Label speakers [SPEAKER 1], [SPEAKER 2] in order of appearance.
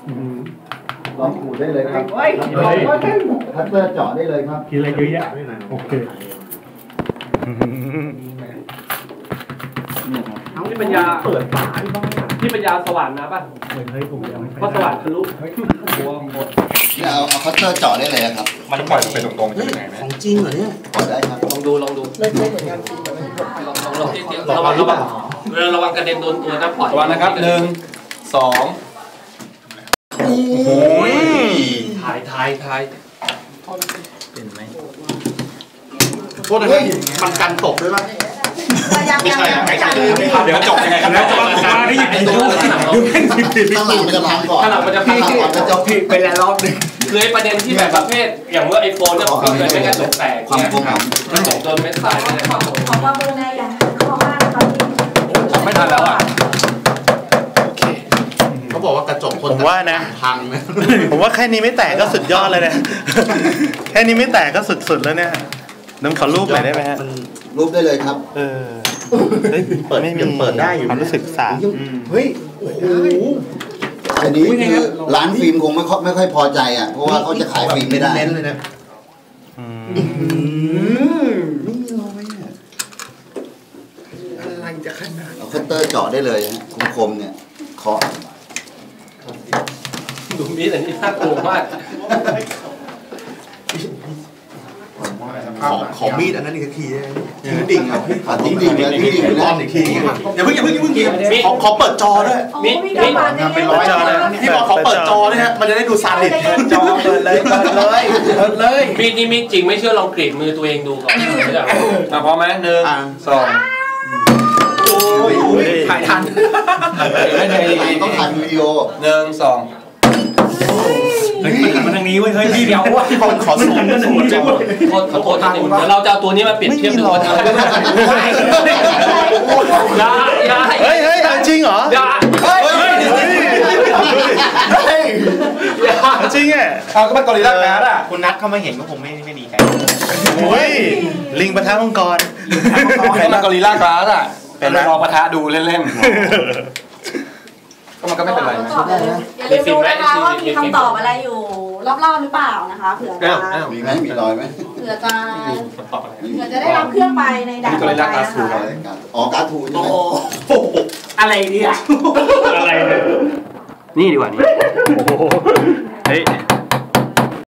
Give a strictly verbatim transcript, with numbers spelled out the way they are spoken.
[SPEAKER 1] ลองขูดได้เลยครับคัตเตอร์เจาะได้เลยครับ
[SPEAKER 2] กินอะไรเยอะแยะโอเค
[SPEAKER 3] นี่ปัญญาเปิดฝาที่ปัญญาสว่านนะป่ะเพราะสว่านทะลุหัวหมด
[SPEAKER 1] เนี่ยเอาเอาคัตเตอร์เจาะได้เลยครับ
[SPEAKER 4] มันปล่อยไปตรงๆยังไงไหม
[SPEAKER 1] ของจริงเหรอเนี่ยปล่อยได้ครับ
[SPEAKER 3] ลองดูลองดูไม่ใช่เหมือนกันลองลองลองระวังระวังระวังกระเด็นโดนตัวนะปล่อย
[SPEAKER 4] ระวังนะครับหนึ่งสองโอ้ย
[SPEAKER 3] ถ่ายถ่ายถ่าย
[SPEAKER 4] เป็นไหม
[SPEAKER 1] โทษนะครับมันกันตกด้วยป่ะ
[SPEAKER 4] ไม่ใช่ไก่เดี๋ยวจบยังไงกันแล้วจะมาได้ยินดูดูแม่งผิดผิด
[SPEAKER 1] ข้างหลังมันจะพังก่อน
[SPEAKER 3] ข้างหลังมันจะพังก่อน
[SPEAKER 1] มันจะผิดไปแล้วรอบนึง
[SPEAKER 3] คือไอ้ประเด็นที่แบบประเภทอย่างเมื่อไอโฟนเนี่ยผมก็เคยไม่กระจกแตกเนี่ยกระจกโดนเม็ดทรายเนี่ยขอ
[SPEAKER 5] ว่าเบอร์ในอย่างข้อห้าตอนนี้
[SPEAKER 3] ไม่ทันแล้วอ่ะ
[SPEAKER 1] โอเคเขาบอกว่ากระจกคน
[SPEAKER 6] ผมว่านะ
[SPEAKER 1] พังนะ
[SPEAKER 6] ผมว่าแค่นี้ไม่แตกก็สุดยอดเลยนะแค่นี้ไม่แตกก็สุดๆแล้วเนี่ยน้ำขอรูปหน่อยได้ไหมฮะ
[SPEAKER 1] รูปได้เลยครับ
[SPEAKER 6] เออเปิดไม่มีเปิดได้อยู่ความรู้สึกสาม
[SPEAKER 1] เฮ้ยโอ้โหอันนี้คือร้านฟิล์มคงไม่ค่อยไม่ค่อยพอใจอ่ะเพราะว่าเขาจะขายฟิล์มไม่ได้เน้นเลยนะไม่มีรอยอ่ะอะไรจะขนาดเอาคัตเตอร์เจาะได้เลยฮะคมๆเนี่ยเคาะ
[SPEAKER 3] ดูมีแต่นี่น่ากลัวมาก
[SPEAKER 1] ของของมีดอันนั้นอีกทีทิ้งดิ่งครับทิ้งดิ่งแล้วทิ้งดิ่งแล้วอีกทีอย่าเพิ่งอย่าเพิ่งอย่าเพิ่งขอขอเปิดจอด้วย
[SPEAKER 5] มีมี
[SPEAKER 1] เป็นร้อยจอเลยที่บอกเขาเปิดจอด้วยฮะมันจะได้ดูซาดิสเปิดจอเปิดเลยเปิดเลยเปิดเลย
[SPEAKER 3] มีนี่มีจริงไม่เชื่อลองกรีดมือตัวเองดูก่อน
[SPEAKER 4] อ่ะพร้อมไหมหนึ่งสอง
[SPEAKER 1] โอ้ยถ่ายทันต้องถ่ายวิดีโอ
[SPEAKER 4] หนึ่งสอง
[SPEAKER 2] เฮ้ยมันทางนี้เว้ยเฮ้ยพี่เดียวว่า
[SPEAKER 1] ที่คนขอสูง
[SPEAKER 2] มันสูงจังเลย
[SPEAKER 3] ขอโทษทีนึงเดี๋ยวเราจะเอาตัวนี้มาเปรียบเทียบดูว่าอย่าอย่า
[SPEAKER 6] เฮ้ยเฮ้ยจริงเหรอ
[SPEAKER 3] อย่า
[SPEAKER 6] เฮ้ยจริงอ่ะ
[SPEAKER 4] เอาก็เป็นกอริลลาการ์ดอ่ะ
[SPEAKER 1] คุณนัทเข้ามาเห็นก็คงไม่ไม่ดีใจ
[SPEAKER 6] โอ้ยลิงปะทะมังกร
[SPEAKER 4] เป็นกอริลลาการ์ดอ่ะเป็นลองปะทะดูเล่นๆก็มันก็ไม่เป็นไรนะ
[SPEAKER 5] อย่าลืมดูนะคะว่ามีคำตอบอะไรอยู่รอบๆหรือเปล่านะคะเผื่อจะ
[SPEAKER 1] มีไหมมีรอยไหม
[SPEAKER 5] เผื่อจะเผื่อจะได้รับเครื่องไปในด่านต่อไปนะคะ
[SPEAKER 1] อ๋อการ์ตูนใช่ไหม
[SPEAKER 3] อะไรเนี่ย
[SPEAKER 2] อะไรเนี่ย
[SPEAKER 3] นี่ดีกว่านี่
[SPEAKER 6] เฮ้ย